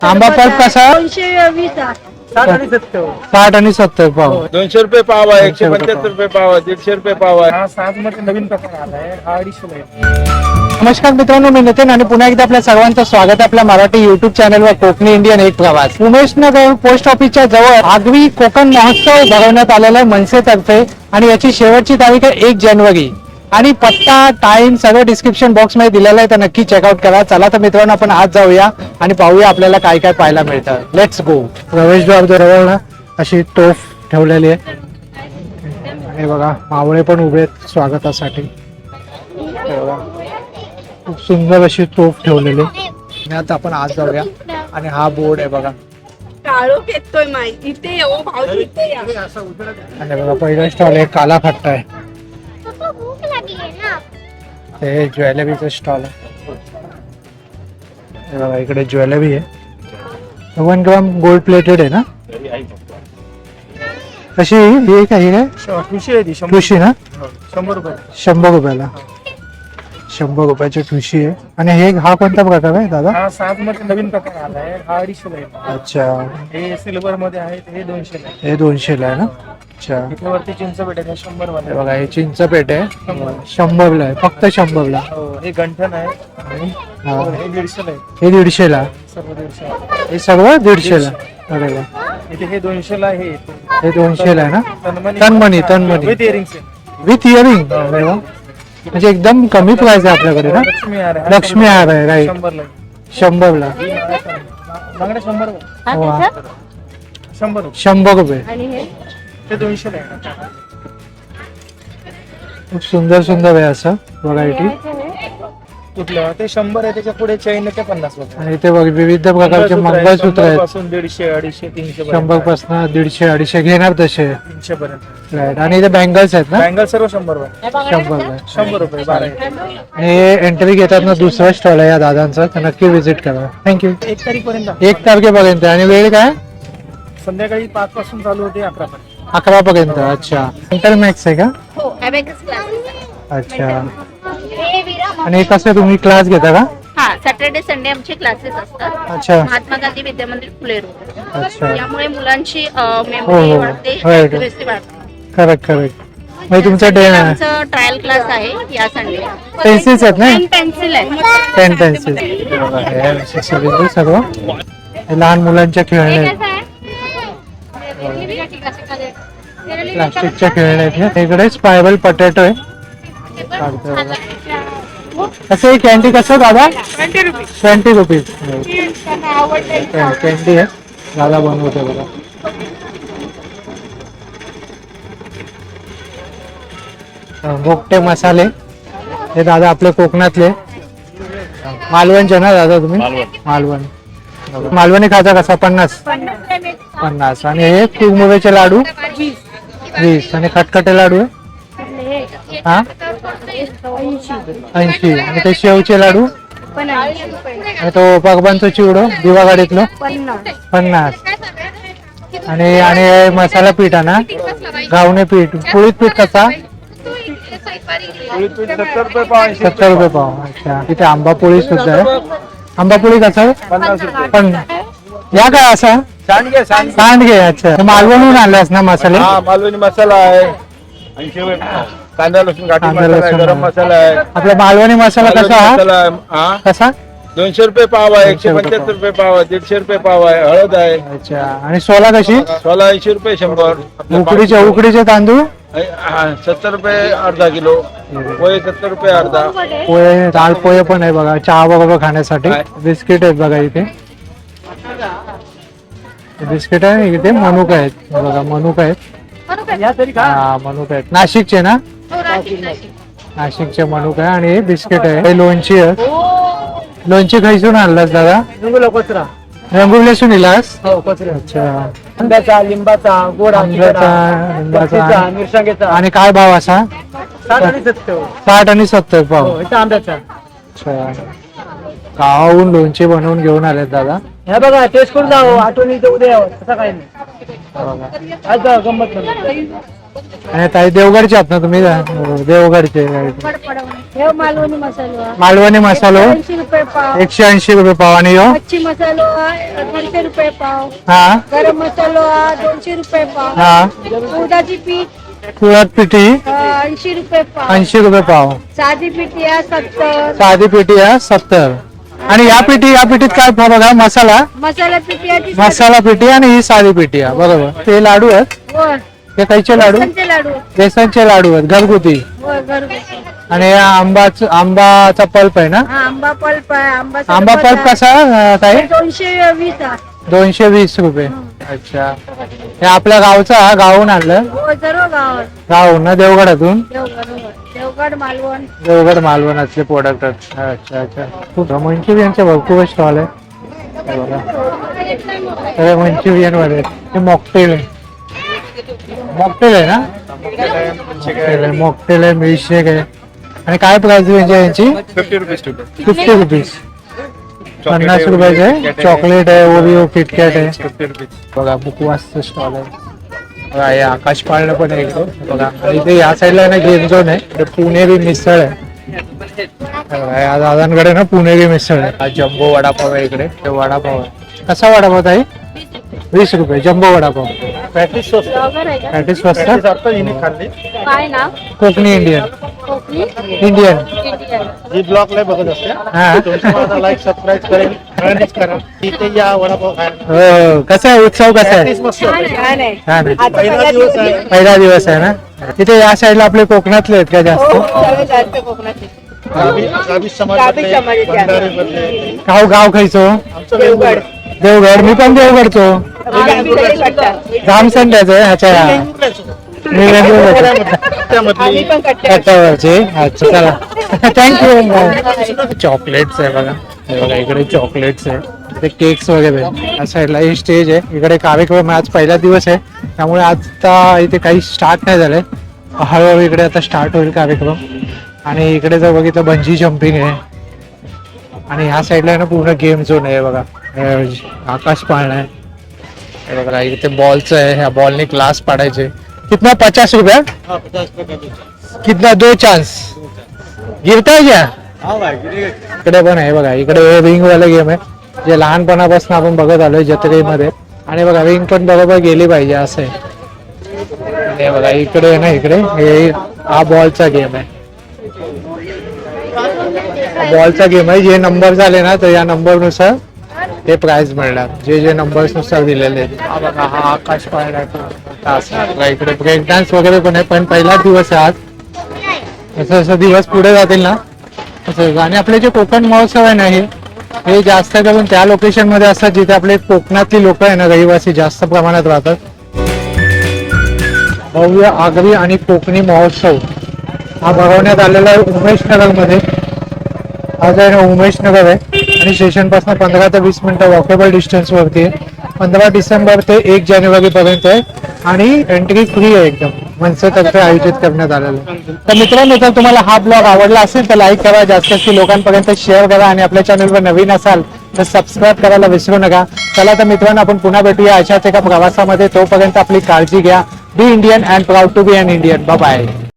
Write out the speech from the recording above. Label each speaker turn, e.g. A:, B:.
A: आंबा पल्प कसा
B: 220
C: 60 आणि 70
A: 60 आणि 70 पाव
D: 200 रुपये पाव आहे, 175 रुपये पाव आहे, 150 रुपये पाव आहे.
C: हा साज मध्ये नवीन प्रकार आलाय हा 250 आहे.
A: नमस्कार मित्रांनो, मी नितीन आणि पुन्हा एकदा आपल्या सर्वांचं स्वागत आहे आपल्या मराठी युट्यूब चॅनलवर कोकणी इंडियन एक प्रवास. उमेशनगर पोस्ट ऑफिसच्या जवळ आगवी कोकण महोत्सव भरवण्यात आलेला आहे मनसेतर्फे आणि याची शेवटची तारीख आहे 1 जानेवारी आणि पत्ता टाइम सगळं डिस्क्रिप्शन बॉक्स मध्ये दिलेलं आहे, तर नक्की चेकआउट करा. चला तर मित्रांनो आपण आज जाऊया आणि पाहूया आपल्याला काय काय पाहायला मिळतं. Let's go. प्रवेशद्वार जवळ ना अशी तोफ ठेवलेली आहे आणि बघा मावळे पण उभे आहेत स्वागतासाठी. हे बघा, खूप सुंदर अशी तोफ ठेवलेली आणि आता आपण आज जाऊया आणि हा बोर्ड आहे बघा.
B: काळोख येतोय माई इथे येऊ भाऊजी इथे या.
A: आणि बघा पहिला स्टॉल आहे काला खट्टा आहे, हे ज्वेलरीचं स्टॉल आहे. हे बघा इकडे ज्वेलरी आहे 1 ग्राम गोल्ड प्लेटेड आहे ना. कशी ही काय
C: ठुशी आहे ती 100
A: ठुशी ना
C: 100 रुपये
A: 100 रुपयाला 100 रुपयाची ठुशी आहे. आणि हे हा कोणता प्रकार आहे दादा?
C: हा साज मध्ये नवीन प्रकार आलाय हा 250 आहे.
A: अच्छा,
C: हे सिल्वर मध्ये आहे हे 200 आहे.
A: हे 200 ला आहे ना. अच्छा,
C: इथे वरती चिंच भेटायचं 100
A: हे
C: मध्ये.
A: बघा हे चिंचपेट आहे 100 ला आहे, फक्त 100 ला.
C: हो हे गंठन आहे आणि
A: हा.
C: हे 150 आहे.
A: हे 150 ला,
C: सर्व 150 आहे.
A: हे सगळं 150 ला. अरे वा,
C: इथे हे 200 ला आहे.
A: हे 200 ला आहे ना.
C: तन्मणी
A: तन्मणी
C: विथ इयरिंग्स आहे.
A: With earring. अरे वा, म्हणजे एकदम कमी प्राइस आहे आपल्याकडे ना.
C: लक्ष्मी हार आहे.
A: लक्ष्मी हार आहे राईट
C: 100 ला
A: 100 ला.
C: बांगडे 100 रुपये.
A: वा,
C: 100 रुपये
A: 100 रुपये.
B: आणि हे
C: ते 200 ला आहे.
A: खूप सुंदर सुंदर आहे असं व्हरायटी.
C: कुठलं ते 100 आहे, त्याच्या पुढे चैन ते 50 रुपये.
A: आणि इथे बघ विविध प्रकारचे मंगळसूत्र आहेत.
C: पासून 150 250 300
A: 100 पासून 150 250 घेणार तसे
C: 300 पर्यंत.
A: राईट. आणि इथे बँगल्स आहेत ना
C: बँगल सर्व 100 रुपये
A: 100 ला.
C: 100 रुपये 12 आहे.
A: आणि हे एंट्री घेतात ना दुसरा स्टॉल आहे या दादांचा, तर नक्की विजिट करा. थँक्यू.
C: 1 तारीखपर्यंत
A: 1 तारखेपर्यंत. आणि वेळ काय?
C: संध्याकाळी 5 पासून चालू होते 11 पर्यंत.
A: 11 पर्यंत. अच्छा, इंटरमॅक्स आहे का?
B: हो अबॅकस क्लासेस
A: अच्छा. आणि कसं तुम्ही क्लास घेता का?
B: हा सॅटर्डे संडे आमचे क्लासेस असतात.
A: अच्छा
B: महात्मा गांधी विद्या मंदिर फुले रोड.
A: अच्छा,
B: यामुळे मुलांची
A: हो,
B: मेमरी
A: हो.
B: वाढते,
A: Right.
B: accuracy वाढते.
A: Correct correct. म्हणजे तुमचा डे
B: आमचं ट्रायल क्लास आहे या संडे.
A: पेन्सिल्स आहेत ना.
B: पेन्सिल आहे.
A: पेन पेन्सिल सगळं. हे लहान मुलांच्या खेळणे आहेत, प्लास्टिकच्या खेळणे आहेत. इकडे स्पायरल पटॅटो आहे. कसं आहे कॅन्डी? कसं दादा? 20 रुपीज कॅन्डी आहे. दादा बनवते बघा. मोठे मसाले हे दादा आपले कोकणातले मालवणचे ना दादा तुम्ही? मालवण. मालवणी खाजा कसा? 50. आणि हे कुरमुऱ्याचे लाडू 20. आणि खटखटे लाडू आहे हा 80. आणि ते शेवचे लाडू आणि तो पगबांचं चिवडो दिवागाडीतलं 50. आणि आणि हे मसाला पीठ आहे ना घावणे पीठ. पोळीत पीठ कसा?
D: 70 रुपये पाव आहे.
A: 70 रुपये पाव. अच्छा, इथे आंबा पोळी सुद्धा आहे. आंबा पोळी कसा?
D: 50 रुपये.
A: पण या काय असा
D: सांडगे
A: सांडगे. अच्छा, मालवणहून आणलास ना मसाले?
D: हा मालवणी मसाला आहे 80 रुपये पाव. कांदा लसूण घाटी
A: कांदा
D: मसाला आहे,
A: लसूण
D: गरम मसाला आहे.
A: आपला मालवणी मसाला
D: मालवणी
A: कसा हा?
D: मसाला आहे. हा
A: कसा?
D: 200 रुपये पाव आहे,
A: 200 रुपये
D: 175 रुपये पाव आहे, 150 रुपये पाव आहे. हळद आहे
A: अच्छा. आणि सोला कशी?
D: 80 रुपये 100.
A: उकडीचे तांदूळ
D: 70 रुपये अर्धा किलो. पोहे 70 रुपये अर्धा.
A: पोहे दाल पोहे पण आहे बघा चहा बरोबर खाण्यासाठी.
D: काय?
A: बिस्किट आहेत बघा इथे. बिस्किट आहे इथे. मनुका आहेत बघा. मनुका आहेत. हा मनुका आहेत नाशिकचे ना. नाशिकचे मनुका आहे. आणि हे बिस्किट आहे. हे लोणची आहे. लोणची खायसून आणलास दादा?
C: कचरा
A: रंगुल्यासून इलास?
C: हो कचरा.
A: अच्छा.
C: आंब्याचा लिंबाचा गोड
A: लिंबाचा
C: मिरसांगेचा.
A: आणि काय भाव असा?
C: 60 आणि 70.
A: 60 आणि 70 पाव.
C: इथं आंब्याचा.
A: अच्छा. गावाहून लोणचे बनवून घेऊन आलेत दादा.
C: हे बघा टेस्ट करून जावं. आठवणी इथं उद्या यावं तसं काही नाही.
A: बघा.
C: आज जा, गंमत नाही.
A: आणि ताई देवगडचे आहात ना तुम्ही? देवगडचे.
E: हे मालवणी मसाला
A: मालवणी मसालो
E: 80 रुपये पाव
A: 180 रुपये पाव आणि ह्यो
E: मच्छी मसालो 200 रुपये पाव
A: हा
E: गरम मसालो 200 रुपये पाव
A: हा
E: उडदाची पीठ
A: तुळत पिठी
E: 80 रुपये पाव
A: 80 रुपये पाव
E: साधी पिठी 70
A: साधी पिठी आहे 70 आणि या पिठीत काय बघा मसाला
E: मसाला पिठी आहे
A: मसाला पिठी आणि ही साधी पिठी आहे बरोबर ते लाडू आहेत
E: वर
A: हे कायचे लाडू
E: बेसनचे लाडू
A: बेसनचे लाडू आहेत घरगुती
E: वर घरगुती
A: आणि या आंबाचा पल्प आहे ना
E: हा आंबा पल्प आहे
A: आंबा पल्प कसा ताई
E: 220 आहे
A: 220 रुपये अच्छा हे आपल्या गावचा गावून आणलं
E: हो सर्व गावात
A: गावून ना देवगडातून
E: देवगड मालवण
A: देवगड मालवणातले प्रोडक्ट अच्छा अच्छा खूप मंचुरियनचे भरपूर स्टॉल आहे हे बघा सगळे मंचुरियन मध्ये हे मॉकटेल आहे मॉकटेल आहे ना मॉकटेल आहे मिल्कशेक आहे आणि काय प्राइस रेंज आहे यांची 50 रुपीज 50 रुपयाचे चॉकलेट आहे ओरिओ किटकॅट आहे बघा बुकवासचं स्टॉल आहे बघा हे आकाश पाळणं पण आहे इकडे बघा आणि इथे या साईडला ना गेम झोन आहे इकडे पुणेरी मिसळ आहे बघा, या दादांकडे ना पुणेरी मिसळ आहे हा जम्बो वडापाव आहे इकडे ते वडापाव आहे कसा वडापाव आहे 20 रुपये जम्बो वडापाव
C: पॅटीस स्वस्त
A: पॅटीस स्वस्त
C: पॅटीस आता हिने खाल्ली
E: काय नाव
A: Kokani Indian
E: Kokani
A: Indian
E: Indian
C: ji blog लय बघत असते
A: हा
C: तुमचं लाईक सबस्क्राईब करेल फ्रेंड्स करा इथे या वडापाव खायला
A: हो कसा आहे उत्सव कसा आहे
C: पॅटीस मस्त
E: छान आहे
A: छान आहे
C: पहिला दिवस आहे
A: पहिला दिवस आहे ना तिथे या साईडला आपले कोकणातले आहेत का जास्त
B: जास्त कोकणाची
C: गावी समाजातले भंडारे मधले
A: गाव खायचो
C: आमचं वेगवेगळं
A: देवगड मी पण देवगडचो जामसंड्याचं आहे ह्याच्या मी
C: त्यामधली
A: कट्ट्यावरचे अच्छा चला थँक्यू चॉकलेट्स आहे बघा हे बघा इकडे चॉकलेट्स आहे ते केक्स वगैरे या साईडला हे स्टेज आहे इकडे कार्यक्रम आहे आज पहिला दिवस आहे त्यामुळे आता इथे काही स्टार्ट नाही झालंय हळूहळू इकडे आता स्टार्ट होईल कार्यक्रम आणि इकडे जर बघितलं बंजी जम्पिंग आहे आणि ह्या साईडला ना पूर्ण गेम झोन आहे बघा आकाश पाळणा आहे हे बघा इथे बॉलचं आहे ह्या बॉलने क्लास पाडायचे कितना 50 रुपया कितना 2 चान्स गिरता है क्या इकडे पण आहे बघा इकडे रिंग वाला गेम आहे जे लहानपणापासून आपण बघत आलोय जत्रेमध्ये आणि बघा रिंग पण बरोबर गेली पाहिजे असं आहे हे बघा इकडे आहे ना इकडे हे हा बॉलचा गेम आहे बॉलचा गेम आहे जे नंबर झाले ना तर या नंबर नुसार ते प्राइज मिळणार जे जे नंबर्स नुसार दिलेले आहेत हा बघा हा आकाश पाळणा इकडे ब्रेक डान्स वगैरे पण आहे पण पहिलाच दिवस आहे आज जसं जसं दिवस पुढे जातील ना तसं आणि आपले जे कोकण महोत्सव आहे ना हे जास्त करून त्या लोकेशन मध्ये असतात जिथे आपले कोकणातली लोक आहे ना रहिवासी जास्त प्रमाणात राहतात भव्य आगरी आणि कोकणी महोत्सव हा भरवण्यात आलेला आहे उमेश नगर मध्ये आज आहे ना उमेश नगर आहे आणि स्टेशन पासून 15 ते 20 मिनिटं वॉकेबल डिस्टन्स वरती आहे 15 डिसेंबर ते 1 जानेवारी पर्यंत आहे आणि एंट्री फ्री आहे एकदम मनसेतर्फे आयोजित करण्यात आलेलं आहे तर मित्रांनो जर तुम्हाला हा ब्लॉग आवडला असेल तर लाईक करा जास्त लोकांपर्यंत शेअर करा आणि आपल्या चॅनलवर नवीन असाल तर सबस्क्राईब करायला विसरू नका चला तर मित्रांनो आपण पुन्हा भेटूया अशाच एका प्रवासामध्ये तोपर्यंत आपली काळजी घ्या be Indian and proud to be an Indian bye